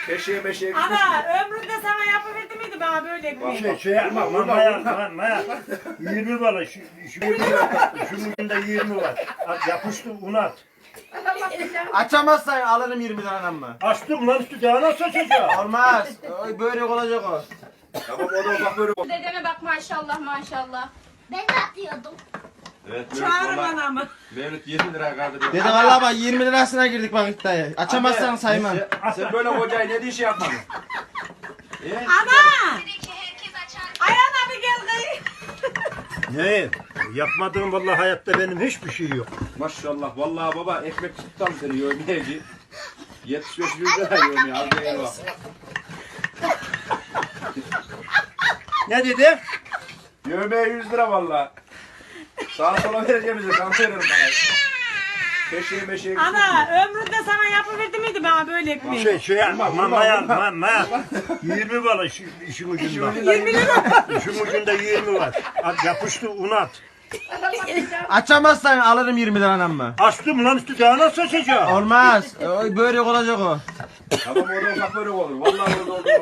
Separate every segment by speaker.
Speaker 1: Keşeğe meşeğe
Speaker 2: Ana ömründe sana yapıverdi miydi bana böyle ekmeği?
Speaker 3: Şey yapma, maya. 20 var, şu ucunda 20 var. Yapıştı, un at.
Speaker 4: Açamazsan alırım 20 lira mı?
Speaker 3: Açtım lan üstü daha nasıl açacağım?
Speaker 4: Olmaz. Böyle olacak o.
Speaker 1: Tamam o da bak böyle.
Speaker 5: Dedeme bak maşallah maşallah.
Speaker 6: Ben de atıyordum.
Speaker 1: Evet,
Speaker 2: Çağırın anamı.
Speaker 1: Mevlüt 20 lira kaldırıyor.
Speaker 4: Dede valla bak 20 lirasına girdik bak iddiaya. Açamazsan saymam.
Speaker 1: Sen böyle kocayı ne diye şey yapmadın?
Speaker 2: Ana! Ayağına bir gel kayı.
Speaker 3: Ne? Yapmadığım vallahi hayatta benim hiçbir şey yok.
Speaker 1: Maşallah vallahi baba ekmek tuttam seni yövmeyeci. 75 lira yövmeye al gel bak.
Speaker 3: Ne dedi?
Speaker 1: Yövmeye 100 lira vallahi. Sağa sola vereceğim bize kan veririm bana. Keşeğe meşeğe
Speaker 2: Ana ömründe sana yapıverdi miydi bana böyle ekmeği?
Speaker 3: Şey yapma, maya. 20 var işin ucunda.
Speaker 2: 20 lira.
Speaker 3: İşin ucunda 20 var. Yapıştı, un at.
Speaker 4: Açamazsan alırım 20 lira mı?
Speaker 3: Açtım lan üstü daha nasıl açacağım?
Speaker 4: Olmaz. Böyle olacak o.
Speaker 1: Tamam orada ufak böyle olur. Vallahi orada olur.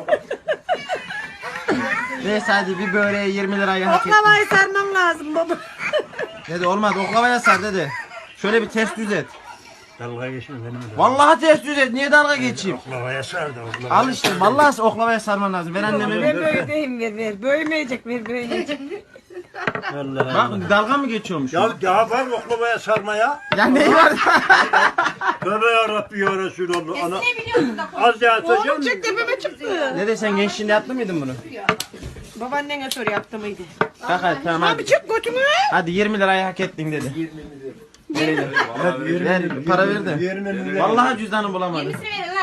Speaker 4: Neyse hadi bir böreğe 20 lirayı hak ettim.
Speaker 2: Oklavayı sarmam lazım baba.
Speaker 4: Dede olmaz oklavaya sar dede. Şöyle bir ters düz et.
Speaker 3: Dalga geçme benim de.
Speaker 4: Vallahi ters düz et. Niye dalga geçeyim?
Speaker 3: Oklavaya sardı.
Speaker 4: Al işte vallahi oklavaya sarman lazım. Ver anneme.
Speaker 2: Ver böyle deyim ver. Böymeyecek ver böymeyecek.
Speaker 3: Allah
Speaker 4: Bak dalga mı geçiyormuş?
Speaker 3: Ya daha var oklavaya sarmaya.
Speaker 4: Ya ne var?
Speaker 3: Tövbe yarabbi ya Resulallah. Ana,
Speaker 5: Ne biliyorsun da
Speaker 3: az daha atacağım.
Speaker 2: Oğlum çek tepeme çıktı.
Speaker 4: Dede sen gençliğinde yaptın mıydın bunu?
Speaker 2: Babaannene sor yaptı mıydı?
Speaker 4: Bak hadi tamam hadi.
Speaker 2: Abi çık götümü.
Speaker 4: Hadi 20 lirayı hak ettin dedi. 20 lira. Ver para ver de.
Speaker 3: 20 lira.
Speaker 4: Vallahi cüzdanı bulamadım.
Speaker 5: yenisini verin